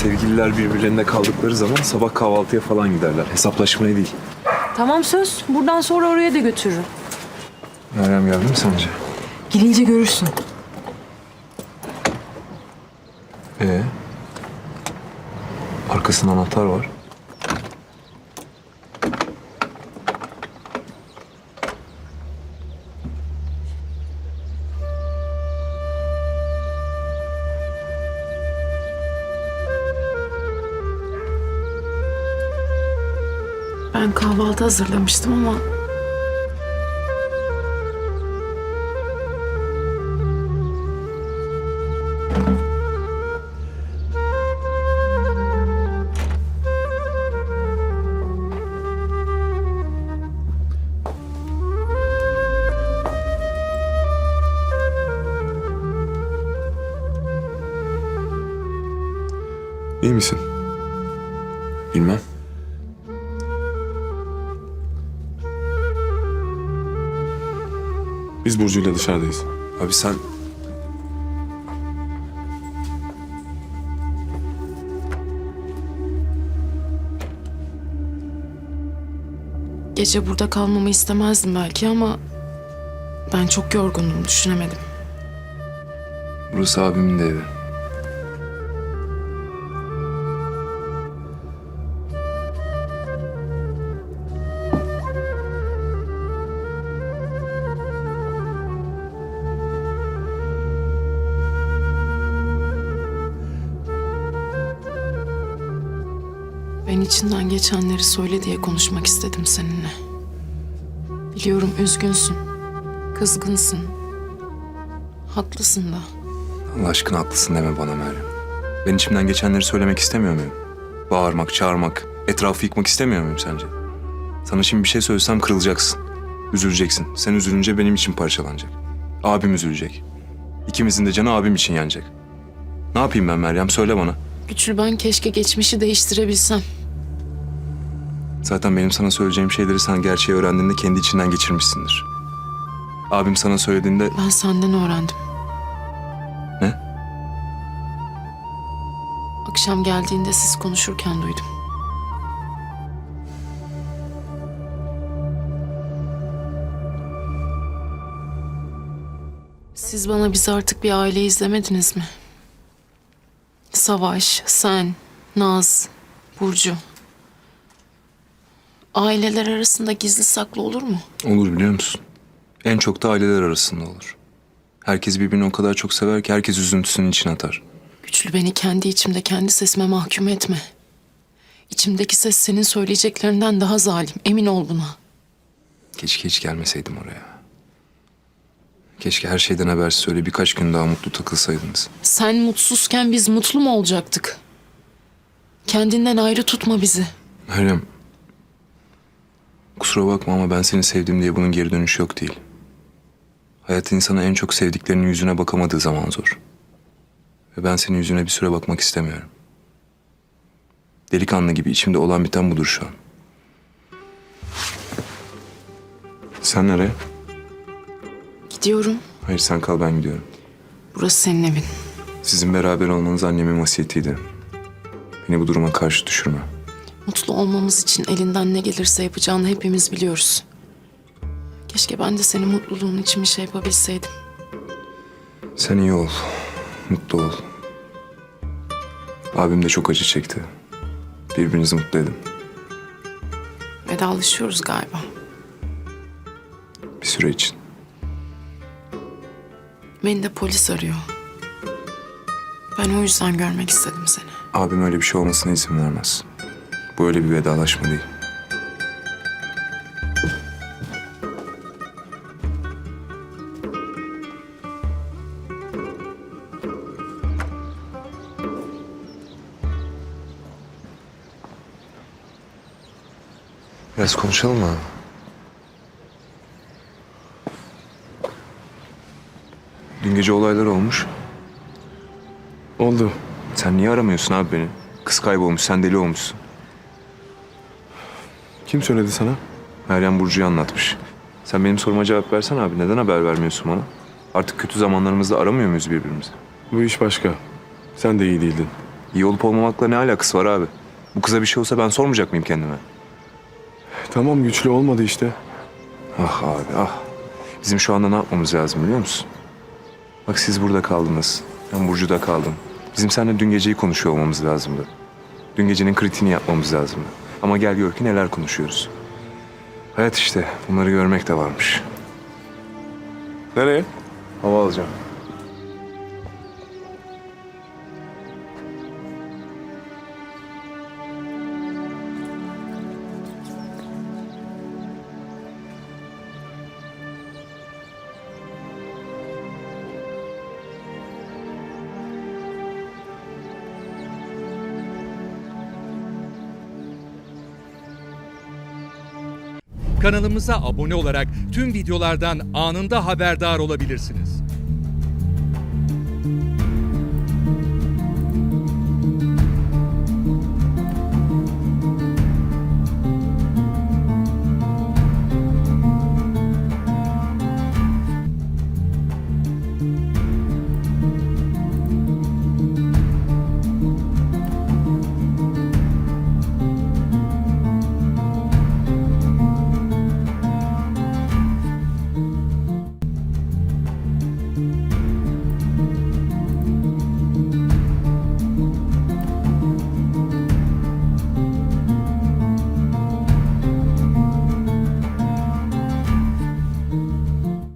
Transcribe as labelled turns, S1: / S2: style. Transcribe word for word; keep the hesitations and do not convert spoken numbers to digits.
S1: Sevgililer birbirlerine kaldıkları zaman sabah kahvaltıya falan giderler. Hesaplaşmaya değil.
S2: Tamam söz. Buradan sonra oraya da götürürüm.
S1: Meryem geldi mi sence?
S2: Gelince görürsün.
S1: Ee? Arkasında anahtar var.
S2: Ben kahvaltı hazırlamıştım ama...
S1: İyi misin? Bilmem.
S3: Biz Burcu'yla dışarıdayız.
S1: Abi sen...
S2: Gece burada kalmamı istemezdim belki ama... Ben çok yorgundum, düşünemedim.
S1: Burası abimin de evi.
S2: Ben içinden geçenleri söyle diye konuşmak istedim seninle. Biliyorum üzgünsün, kızgınsın. Haklısın da.
S1: Allah aşkına haklısın deme bana Meryem. Ben içimden geçenleri söylemek istemiyor muyum? Bağırmak, çağırmak, etrafı yıkmak istemiyor muyum sence? Sana şimdi bir şey söylesem kırılacaksın. Üzüleceksin. Sen üzülünce benim için parçalanacak. Abim üzülecek. İkimizin de canı abim için yanacak. Ne yapayım ben Meryem? Söyle bana.
S2: Güçlü, ben keşke geçmişi değiştirebilsem.
S1: Zaten benim sana söyleyeceğim şeyleri sen gerçeği öğrendiğinde kendi içinden geçirmişsindir. Abim sana söylediğinde...
S2: Ben senden öğrendim.
S1: Ne?
S2: Akşam geldiğinde siz konuşurken duydum. Siz bana bizi artık bir aile izlemediniz mi? Savaş, sen, Naz, Burcu. Aileler arasında gizli saklı olur mu?
S1: Olur biliyor musun? En çok da aileler arasında olur. Herkes birbirini o kadar çok sever ki herkes üzüntüsünün içine atar.
S2: Güçlü, beni kendi içimde kendi sesime mahkum etme. İçimdeki ses senin söyleyeceklerinden daha zalim. Emin ol buna.
S1: Keşke hiç gelmeseydim oraya. Keşke her şeyden habersiz öyle birkaç gün daha mutlu takılsaydınız.
S2: Sen mutsuzken biz mutlu mu olacaktık? Kendinden ayrı tutma bizi.
S1: Meryem, kusura bakma ama ben seni sevdim diye bunun geri dönüşü yok değil. Hayat insana en çok sevdiklerinin yüzüne bakamadığı zaman zor. Ve ben senin yüzüne bir süre bakmak istemiyorum. Delikanlı gibi içimde olan biten budur şu an. Sen nereye?
S2: Gidiyorum.
S1: Hayır sen kal, ben gidiyorum.
S2: Burası senin evin.
S1: Sizin beraber olmanız annemin vasiyetiydi. Beni bu duruma karşı düşürme.
S2: Mutlu olmamız için elinden ne gelirse yapacağını hepimiz biliyoruz. Keşke ben de senin mutluluğun için bir şey yapabilseydim.
S1: Sen iyi ol, mutlu ol. Abim de çok acı çekti. Birbirinizi mutlu edin.
S2: Vedalaşıyoruz galiba.
S1: Bir süre için.
S2: Beni de polis arıyor. Ben o yüzden görmek istedim seni.
S1: Abim öyle bir şey olmasına izin vermez. Bu öyle bir vedalaşma değil. Biraz konuşalım mı? Dün gece olaylar olmuş.
S3: Oldu.
S1: Sen niye aramıyorsun abi beni? Kız kaybolmuş, sen deli olmuşsun.
S3: Kim söyledi sana?
S1: Meryem Burcu'yu anlatmış. Sen benim soruma cevap versen abi. Neden haber vermiyorsun bana? Artık kötü zamanlarımızda aramıyor muyuz birbirimizi?
S3: Bu iş başka. Sen de iyi değildin.
S1: İyi olup olmamakla ne alakası var abi? Bu kıza bir şey olsa ben sormayacak mıyım kendime?
S3: Tamam, güçlü olmadı işte.
S1: Ah abi ah. Bizim şu anda ne yapmamız lazım biliyor musun? Bak siz burada kaldınız. Ben Burcu'da kaldım. Bizim seninle dün geceyi konuşuyor olmamız lazımdı. Dün gecenin kritiğini yapmamız lazımdı. Ama gel gör ki neler konuşuyoruz. Hayat işte. Bunları görmek de varmış.
S3: Nereye?
S1: Hava alacağım.
S4: Kanalımıza abone olarak tüm videolardan anında haberdar olabilirsiniz.